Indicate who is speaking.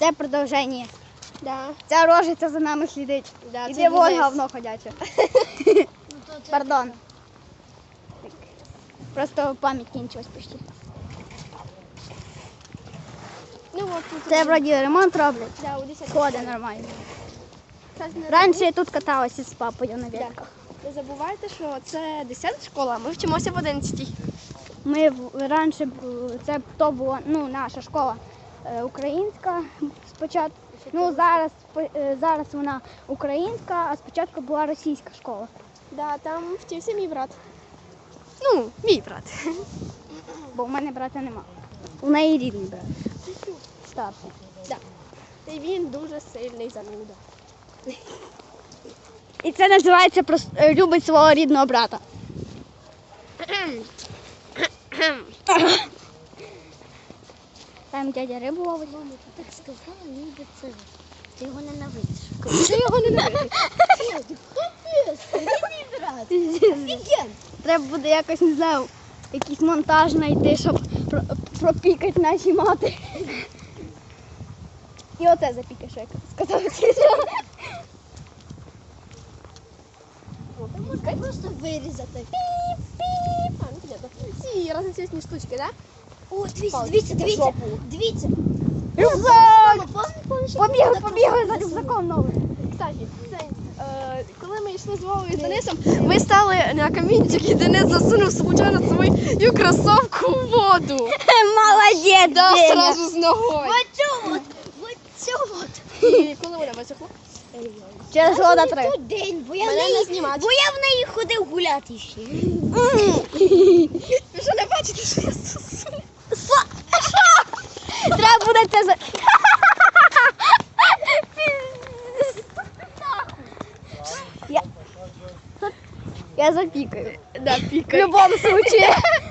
Speaker 1: Це продовження.
Speaker 2: Да.
Speaker 1: Ця рожиця за нами слідить.
Speaker 2: Да,
Speaker 1: Іди
Speaker 2: це
Speaker 1: вон
Speaker 2: Денис.
Speaker 1: говно ходяче. Пардон. Просто пам'ять кінчилась почти.
Speaker 2: Ну от тут.
Speaker 1: Це вроді ремонт роблять.
Speaker 2: Да, у 10.
Speaker 1: Ходить нормально.
Speaker 2: Зараз не
Speaker 1: Раніше я тут каталася з папою на великах.
Speaker 2: Не забувайте, що це 10 школа, ми вчимося в 11.
Speaker 1: Ми раніше це то була наша школа українська спочатку. Ну зараз вона українська, а спочатку була російська школа.
Speaker 2: Да, там вчився мій брат. Ну, мій брат.
Speaker 1: Бо в мене брата нема. У неї рідний брат. Старший.
Speaker 2: Да. І він дуже сильний зануда.
Speaker 1: І це називається любить свого рідного брата. Там дядя рибу ловить.
Speaker 3: Так сказала, ніби це. Ти його ненавидиш.
Speaker 2: Ти його ненавидиш.
Speaker 1: Треба буде якось, не знаю, якийсь монтаж знайти, щоб пропікати наші мати. І оце запікаєш, як сказав.
Speaker 3: Можна просто вирізати.
Speaker 2: А, ну понятно. Ці разноцвітні штучки, да?
Speaker 3: О, дивіться,
Speaker 2: Палки.
Speaker 3: дивіться, дивіться.
Speaker 2: Жопу.
Speaker 3: Дивіться.
Speaker 1: Рюкзак!
Speaker 3: Помніш,
Speaker 1: Побігли за рюкзаком новим.
Speaker 2: Кстати, коли ми йшли з Вовою і з Денисом, ми стали на камінчик і Денис засунув случайно свою кросовку в воду.
Speaker 1: Молодець,
Speaker 2: Да,
Speaker 1: Деня.
Speaker 2: сразу з ногою.
Speaker 3: вот цю от.
Speaker 2: І коли вона висохла?
Speaker 1: Через года 3.
Speaker 3: Той день, бо я,
Speaker 2: Мене не знімати.
Speaker 3: бо я в неї ходив гуляти ще.
Speaker 2: Ви що не бачите, що я сосу?
Speaker 1: Треба буде це за... Я запікаю.
Speaker 2: Да,
Speaker 1: В
Speaker 2: пікай.
Speaker 1: будь-якому случае.